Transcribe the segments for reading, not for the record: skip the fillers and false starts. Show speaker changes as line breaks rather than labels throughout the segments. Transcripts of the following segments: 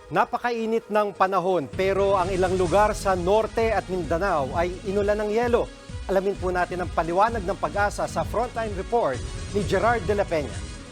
Napakainit ng panahon pero ang ilang lugar sa Norte at Mindanao ay inulan ng yelo. Alamin po natin ang paliwanag ng Pag-asa sa Frontline Report ni Gerard de la Peña.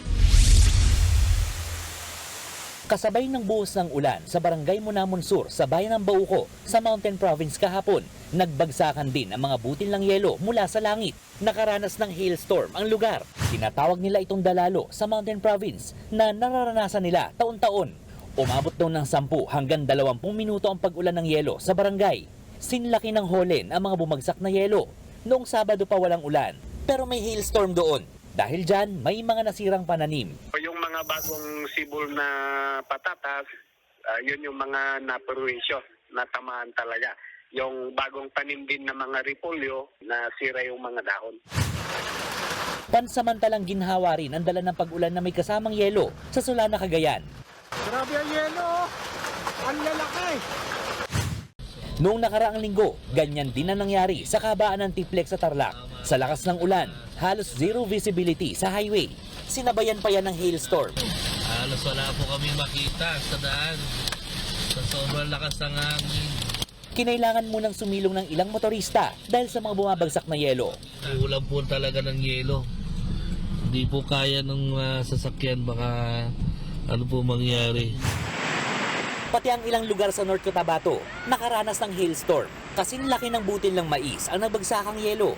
Kasabay ng buhos ng ulan sa Barangay Monamon Sur sa bayan ng Bauco sa Mountain Province kahapon, nagbagsakan din ang mga butil ng yelo mula sa langit. Nakaranas ng hailstorm ang lugar. Tinatawag nila itong dalalo sa Mountain Province na nararanasan nila taon-taon. Umabot daw ng 10 hanggang 20 minuto ang pag-ulan ng yelo sa barangay. Sinlaki ng holen ang mga bumagsak na yelo. Noong Sabado pa walang ulan, pero may hailstorm doon. Dahil dyan, may mga nasirang pananim.
Yung mga bagong sibol na patatas, yun yung mga naperwisyo, natamaan talaga. Yung bagong tanim din na mga repolyo, nasira yung mga dahon.
Pansamantalang ginhawa rin ang dala ng pag-ulan na may kasamang yelo sa Solana, Cagayan.
Grabe ang yelo! Ang lalaki!
Noong nakaraang linggo, ganyan din ang nangyari sa kabaan ng Tiplex sa Tarlac. Sa lakas ng ulan, halos zero visibility sa highway. Sinabayan pa yan ng hailstorm.
Halos wala po kami makita sa daan. Sa sobrang lakas ng hangin.
Kinailangan munang sumilong ng ilang motorista dahil sa mga bumabagsak na yelo.
Ulan po talaga ng yelo. Hindi po kaya ng sasakyan, baka ano po mangyari.
Pati ang ilang lugar sa North Cotabato nakaranas ng hailstorm. Kasing laki ng butil ng mais ang nagbagsakang yelo.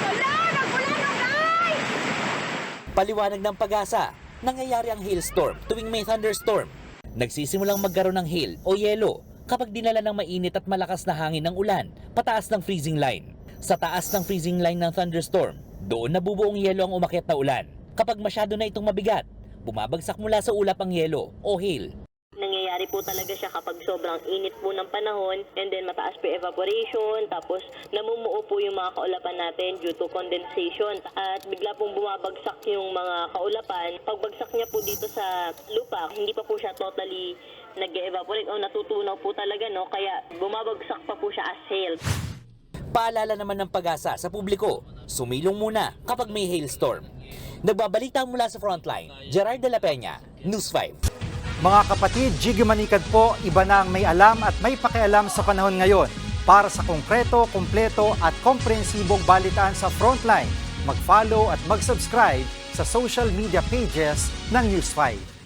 Paliwanag ng Pag-asa, nangyayari ang hailstorm tuwing may thunderstorm. Nagsisimulang magkaroon ng hail o yelo kapag dinala ng mainit at malakas na hangin ng ulan pataas ng freezing line. Sa taas ng freezing line ng thunderstorm, doon nabubuong yelo ang umakyat na ulan. Kapag masyado na itong mabigat, bumabagsak mula sa ulap ang yelo o hail.
Nangyayari po talaga siya kapag sobrang init po ng panahon and then mataas po evaporation, tapos namumuo po yung mga kaulapan natin due to condensation at bigla pong bumabagsak yung mga kaulapan. Pagbagsak niya po dito sa lupa, hindi pa po siya totally nag-evaporate o natutunaw po talaga, no? Kaya bumabagsak pa po siya as hail.
Paalala naman ng Pag-asa sa publiko, sumilong muna kapag may hailstorm. Nagbabalita mula sa Frontline, Gerard de la Peña, News 5.
Mga kapatid, Jiggy Manikad po, iba na ang may alam at may pakialam sa panahon ngayon. Para sa konkreto, kumpleto at komprehensibong balitaan sa Frontline, mag-follow at mag-subscribe sa social media pages ng News 5.